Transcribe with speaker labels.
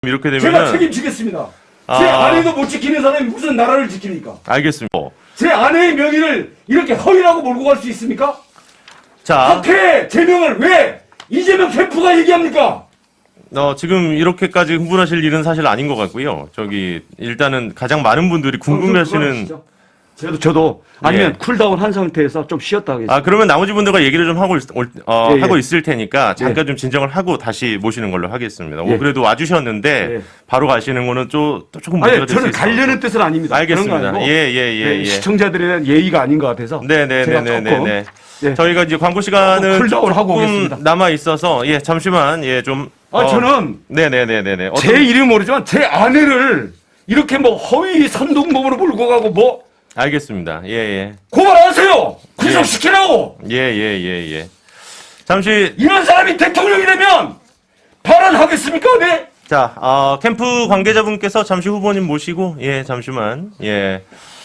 Speaker 1: 이렇게 되면
Speaker 2: 제가 책임지겠습니다. 제 아내도 못 지키는 사람이 무슨 나라를 지킵니까?
Speaker 1: 알겠습니다.
Speaker 2: 제 아내의 명의를 이렇게 허위라고 몰고 갈 수 있습니까?
Speaker 1: 자,
Speaker 2: 학회 제명을 왜 이재명 캠프가 얘기합니까?
Speaker 1: 지금 이렇게까지 흥분하실 일은 사실 아닌 것 같고요. 일단은 가장 많은 분들이 궁금해하시는.
Speaker 3: 저도 아니면
Speaker 1: 예.
Speaker 3: 쿨다운 한 상태에서 좀 쉬었다 하겠습니다.
Speaker 1: 그러면 나머지 분들과 얘기를 좀 하고
Speaker 3: 예.
Speaker 1: 하고 있을 테니까 잠깐 좀 진정을 하고 다시 모시는 걸로 하겠습니다.
Speaker 3: 예.
Speaker 1: 그래도 와주셨는데
Speaker 3: 예.
Speaker 1: 바로 가시는 거는 또 조금 문제가
Speaker 3: 아니,
Speaker 1: 될 수
Speaker 3: 저는
Speaker 1: 있어요.
Speaker 3: 가려는 뜻은 아닙니다.
Speaker 1: 알겠습니다.
Speaker 3: 그런 거 아니고
Speaker 1: 예.
Speaker 3: 시청자들에 대한 예의가 아닌 것 같아서 제가 조금
Speaker 1: 네네네네네.
Speaker 3: 예.
Speaker 1: 저희가 이제 광고 시간은
Speaker 3: 쿨다운 하고
Speaker 1: 조금
Speaker 3: 오겠습니다.
Speaker 1: 남아 있어서 잠시만 좀.
Speaker 3: 저는
Speaker 1: 네네네네네.
Speaker 3: 제 이름 모르지만 제 아내를 이렇게 뭐 허위 선동범으로 몰고 가고 뭐
Speaker 1: 알겠습니다. 예.
Speaker 2: 고발하세요. 구속시키라고.
Speaker 1: 예. 잠시
Speaker 2: 이런 사람이 대통령이 되면 발언하겠습니까? 네.
Speaker 1: 자, 캠프 관계자분께서 잠시 후보님 모시고 잠시만.